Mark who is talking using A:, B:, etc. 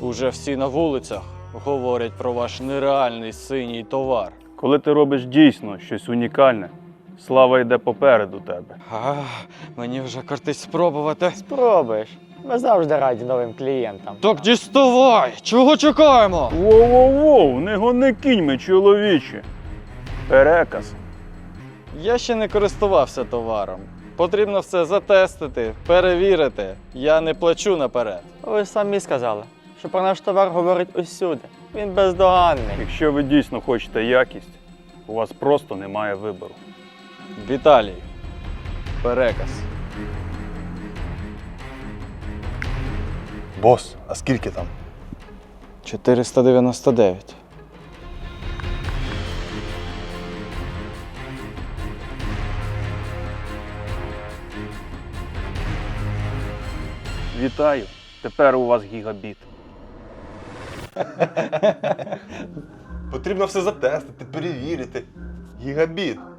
A: Уже всі на вулицях говорять про ваш нереальний синій товар.
B: Коли ти робиш дійсно щось унікальне, слава йде попереду тебе.
A: Мені вже кортить спробувати.
C: Спробуєш. Ми завжди раді новим клієнтам.
A: Так діставай! Чого чекаємо?
B: Воу-воу-воу, не гони кіньми, чоловіче. Переказ.
A: Я ще не користувався товаром. Потрібно все затестити, перевірити. Я не плачу наперед.
C: Ви ж самі сказали, що про наш товар говорить усюди. Він бездоганний.
B: Якщо ви дійсно хочете якість, у вас просто немає вибору.
A: Віталій. Переказ.
D: Бос, а скільки там?
A: 499.
B: Вітаю, тепер у вас гігабіт.
D: Потрібно все затестити, перевірити. Гігабіт.